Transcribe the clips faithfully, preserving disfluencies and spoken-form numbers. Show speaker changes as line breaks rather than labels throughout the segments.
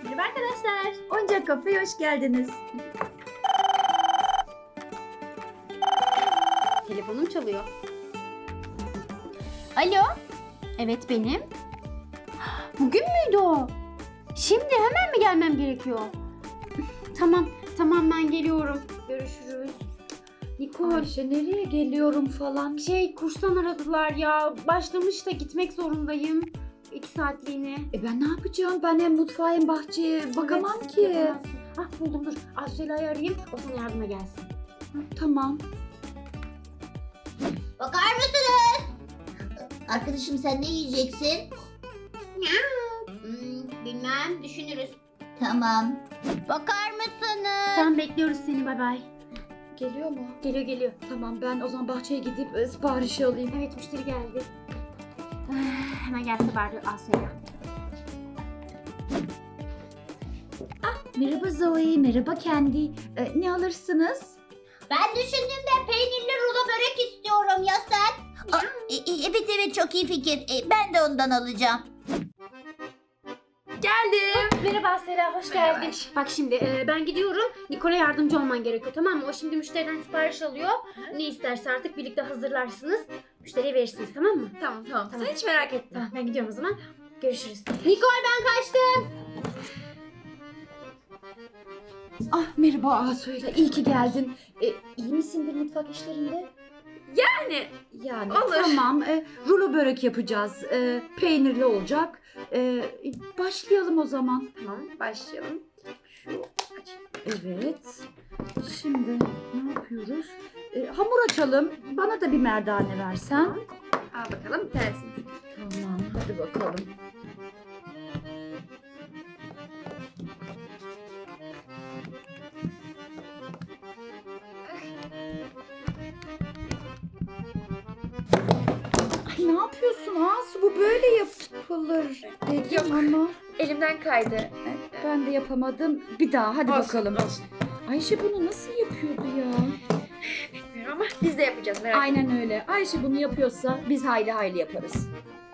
Merhaba arkadaşlar.
Oyuncak Kafe'ye hoş geldiniz.
Telefonum çalıyor. Alo. Evet benim. Bugün müydü o? Şimdi hemen mi gelmem gerekiyor? Tamam, tamam ben geliyorum. Görüşürüz. Nikol.
Ayşe nereye geliyorum falan.
Şey kurstan aradılar ya. Başlamış da gitmek zorundayım. İki saatliğine.
E ben ne yapacağım? Ben hem mutfağa hem bahçeye bakamam
Evet,
ki.
yapamazsın. Ah buldum dur. Asya'yı arayayım. O sana yardıma gelsin.
Ha, tamam.
Bakar mısınız? Arkadaşım sen ne yiyeceksin? Hmm, bilmem düşünürüz. Tamam. Bakar mısınız?
Tamam bekliyoruz seni bay bay.
Geliyor mu?
Geliyor geliyor.
Tamam ben o zaman bahçeye gidip e, siparişi alayım.
Evet müşteri geldi. Ah, hemen gelse bari Asya'ya.
Merhaba Zoe, merhaba Kendi. E, ne alırsınız?
Ben düşündüm de peynirli rulo börek istiyorum ya sen? Aa, e, e, evet evet çok iyi fikir. E, ben de ondan alacağım.
Geldim. Merhaba Sera, hoş geldin. Bak şimdi e, ben gidiyorum. Nikol'a yardımcı olman gerekiyor tamam mı? O şimdi müşteriden sipariş alıyor. Ne isterse artık birlikte hazırlarsınız. Müşteriye verirsiniz tamam mı?
Tamam tamam.
Tamam.
Sen hiç merak etme.
Tamam ben gidiyorum o zaman. Görüşürüz. Nikol ben kaçtım.
Ah merhaba Asuela, iyi ki geldin. E, iyi misindir mutfak işlerinde?
Yani
Yani
Olur.
tamam. E, rulo börek yapacağız. E, peynirli olacak. E, başlayalım o zaman.
tamam başlayalım. Şu
Evet. Şimdi ne yapıyoruz? E, hamur açalım. Bana da bir merdane versen.
al bakalım bir tanesini.
Tamam, hadi bakalım. Ay ne yapıyorsun Asu? Bu böyle yapılır dedim
Yok.
ama
Elimden kaydı.
ben de yapamadım. Bir daha hadi
Olsun,
bakalım.
olsun.
Ayşe bunu nasıl yapıyordu ya?
Bilmiyorum ama biz de yapacağız merak etme.
Aynen öyle. Ayşe bunu yapıyorsa biz hayli hayli yaparız.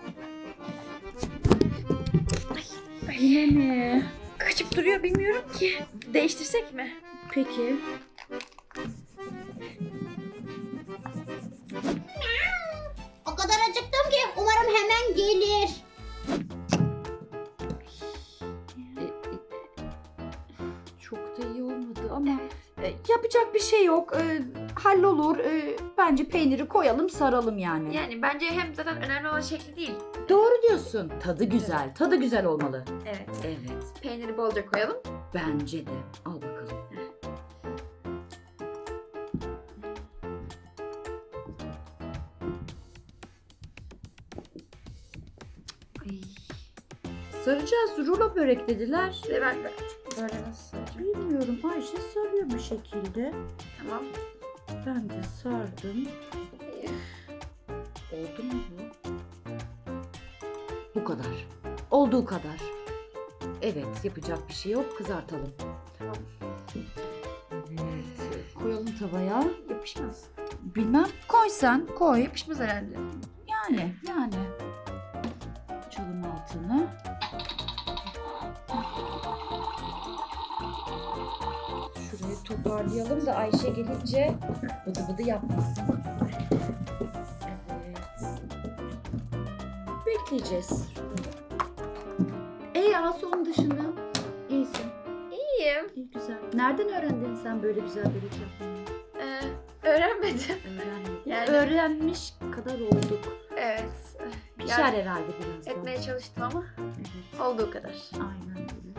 Yine mi?
Kaçıp duruyor bilmiyorum ki. Değiştirsek mi?
Peki.
O kadar acıktım ki umarım hemen gelir.
E, e, Çok da iyi olmadı ama e, yapacak bir şey yok. E, hallolur. E, bence peyniri koyalım, saralım yani.
Yani bence hem zaten önemli olan şekli değil.
Doğru diyorsun. Tadı güzel. Tadı güzel olmalı.
Evet.
Evet.
Peyniri bolca koyalım.
Bence de. Al bakalım. Ay. Saracağız. Rulo börek dediler.
Ve bak bak. Böyle nasıl?
Bilmiyorum. Ayşe sarıyor bu şekilde.
Tamam.
Ben de sardım. Oldu mu bu? Bu kadar. Olduğu kadar. Evet, yapacak bir şey yok. Kızartalım.
Tamam.
Evet, koyalım tavaya.
Yapışmaz.
Bilmem. Koy sen. Koy.
Yapışmaz herhalde.
Yani, yani. Açalım altını. Şurayı toparlayalım da Ayşe gelince bıdı bıdı yapmasın. Evet. Bekleyeceğiz. Ey Asu'nun dışında iyisin.
İyiyim.
İyi güzel. Nereden öğrendin sen böyle güzel börek yapmayı?
Ee, öğrenmedim.
Öğrenmedim.
Yani-
Öğrenmiş kadar olduk.
Evet.
Pişer
Yani
herhalde birazdan.
etmeye çalıştım ama
Evet.
olduğu kadar.
Aynen öyle.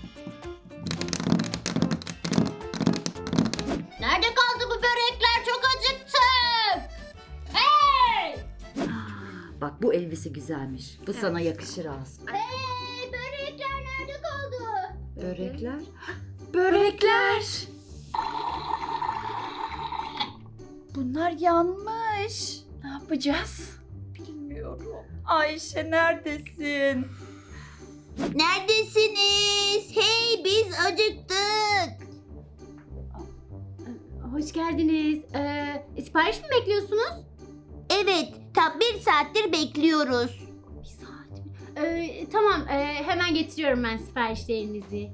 Nerede kaldı bu börekler? Çok acıktım. Hey!
Ah, bak bu elbise güzelmiş. Bu sana yakışır Asu.
Hey! Börekler nerede kaldı?
Börekler.
Börekler.
Bunlar yanmış.
Ne yapacağız?
Bilmiyorum. Ayşe neredesin?
Neredesiniz? Hey biz acıktık.
Hoş geldiniz. Ee, sipariş mi bekliyorsunuz?
Evet tam bir saattir bekliyoruz.
Bir saat mi? Ee, tamam ee, hemen getiriyorum ben siparişlerinizi.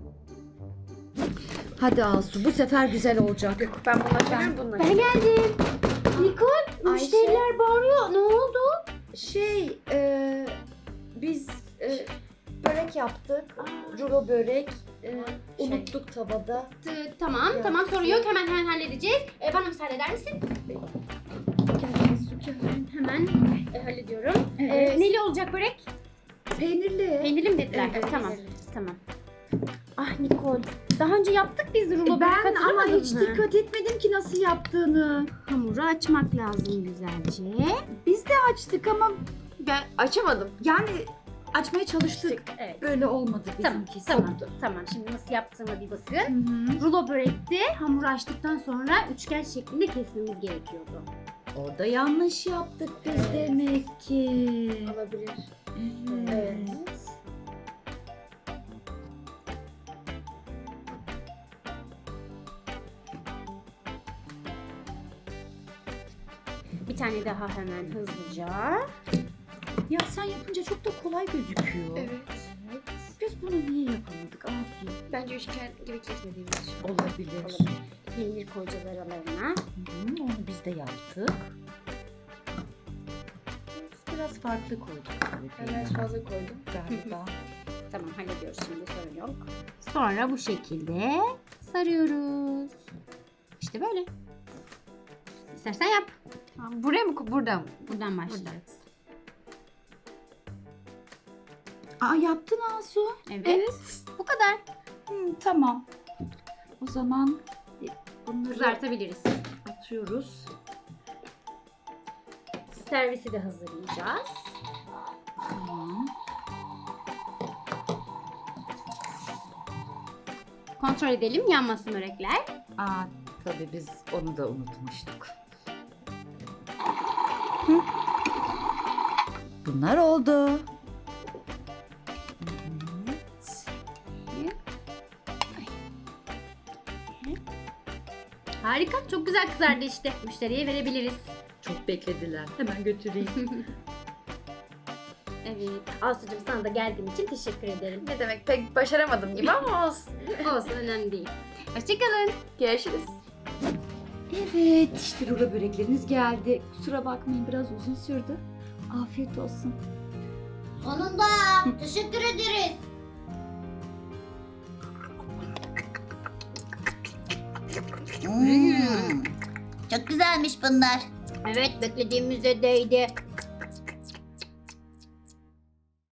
Hadi Asu, bu sefer güzel olacak.
Yok ben bunu açamıyorum bunu.
Ben geldim. Nikol, müşteriler bağırıyor. Ne oldu?
Şey, e, biz e, börek yaptık. Rulo börek. E, unuttuk tavada.
T- tamam,
Ya.
tamam sorun yok. Hemen hemen halledeceğiz. Ee, bana müsaade eder misin? Hemen, hemen e, hallediyorum.
Evet.
Ee, neli olacak börek?
Peynirli.
Peynirli mi dediler?
Evet,
tamam,
peynirli.
tamam. Ah Nikol, daha önce yaptık biz rulo börek,
Ben ama
hatırlamadın
hiç
mı?
dikkat etmedim ki nasıl yaptığını.
Hamuru açmak lazım güzelce.
Biz de açtık ama
Ben açamadım.
yani açmaya çalıştık.
Evet.
Böyle olmadı
Tamam,
bizimki.
tamam,
Koptu.
tamam. Şimdi nasıl yaptığıma bir bakın.
Hı hı.
Rulo börekte hamuru açtıktan sonra üçgen şeklinde kesmemiz gerekiyordu.
Orada yanlış yaptık biz
Evet.
demek ki.
Olabilir.
Evet.
Bir tane daha hemen hızlıca.
Ya sen yapınca çok da kolay gözüküyor.
Evet.
Biz bunu niye yapamadık Asu?
Bence üçgen gibi kesmediğimiz için.
Olabilir.
Olabilir. Peynir koyacağız aralarına.
Hı, onu biz de yaptık. Biz biraz farklı koyduk.
Ben biraz fazla koydum.
Galiba.
Tamam, hallediyoruz şimdi, sorun yok. Sonra bu şekilde sarıyoruz. İşte böyle. İstersen yap.
Tamam, buraya mı? ko- Buradan mı?
Buradan başlayacağız.
Aa yaptın Asu.
Evet. Bu kadar.
Hı, tamam. O zaman bunları
Kızartabiliriz.
atıyoruz.
Servisi de hazırlayacağız.
Tamam.
Kontrol edelim, yanmasın börekler.
Aa tabii biz onu da unutmuştuk. Bunlar oldu. Evet.
Harika, çok güzel kızardı işte. Müşteriye verebiliriz.
Çok beklediler. Hemen götüreyim.
Evet. Asucuğum, sana da geldiğin için teşekkür ederim.
Ne demek pek başaramadım gibi ama olsun.
Olsun, önemli değil. Hoşçakalın.
Görüşürüz.
Evet, işte rulo börekleriniz geldi. Kusura bakmayın biraz uzun sürdü. Afiyet olsun.
Sonunda. Teşekkür ederiz. Hmm, çok güzelmiş bunlar. Evet, beklediğimize değdi.